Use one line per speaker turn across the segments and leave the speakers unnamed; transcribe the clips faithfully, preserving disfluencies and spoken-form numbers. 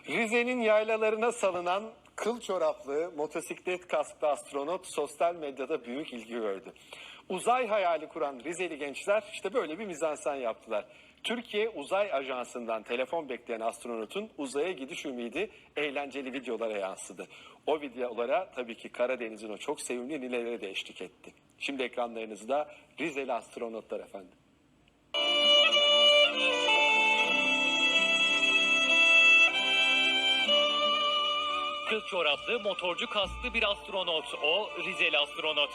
Rize'nin yaylalarına salınan kıl çoraplı motosiklet kasklı astronot sosyal medyada büyük ilgi gördü. Uzay hayali kuran Rizeli gençler işte böyle bir mizansen yaptılar. Türkiye Uzay Ajansı'ndan telefon bekleyen astronotun uzaya gidiş ümidi eğlenceli videolara yansıdı. O videolara tabii ki Karadeniz'in o çok sevimli nineleri de eşlik etti. Şimdi ekranlarınızda Rizeli astronotlar efendim.
Kıl çoraplı, motorcu kasklı bir astronot. O Rizeli astronot.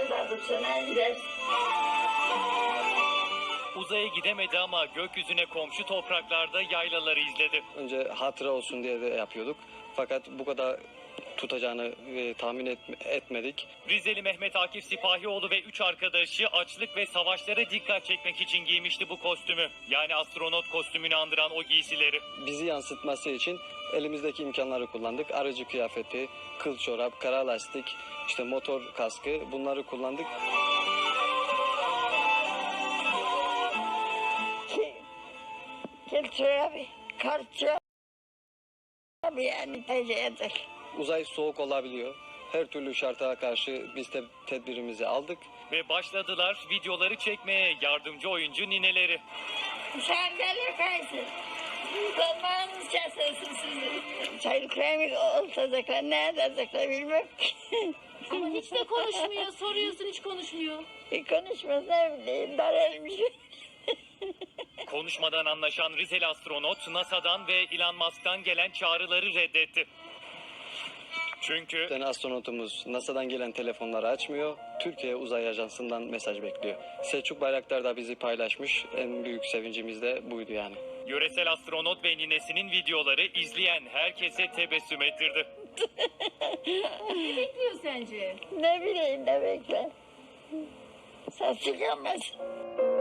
Uzaya gidemedi ama gökyüzüne komşu topraklarda yaylaları izledi.
Önce hatıra olsun diye de yapıyorduk. Fakat bu kadar tutacağını e, tahmin et, etmedik.
Rizeli Mehmet Akif Sipahioğlu ve üç arkadaşı açlık ve savaşlara dikkat çekmek için giymişti bu kostümü. Yani astronot kostümünü andıran o giysileri.
Bizi yansıtması için elimizdeki imkanları kullandık. Aracı kıyafeti, kıl çorap, kara lastik, işte motor kaskı, bunları kullandık.
Kıl çorabı, kar çorabı yani tecrübedir.
Uzay soğuk olabiliyor. Her türlü şarta karşı biz de tedbirimizi aldık.
Ve başladılar videoları çekmeye yardımcı oyuncu nineleri.
Sen gelir kaysın. Zamanınız kesilsin sizin. Çaylı kremi olacaklar, ne edecekler bilmem ki.
Ama hiç de konuşmuyor. Soruyorsun hiç konuşmuyor.
Bir konuşmaz ne bileyim, daralmış.
Konuşmadan anlaşan Rizeli astronot NASA'dan ve Elon Musk'tan gelen çağrıları reddetti. Çünkü
Yani astronotumuz NASA'dan gelen telefonları açmıyor. Türkiye Uzay Ajansı'ndan mesaj bekliyor. Selçuk Bayraktar da bizi paylaşmış. En büyük sevincimiz de buydu yani.
yöresel astronot ve ninesinin videoları izleyen herkese tebessüm ettirdi.
Ne bekliyor sence?
Ne bileyim ne bekler. Ses çıkamaz.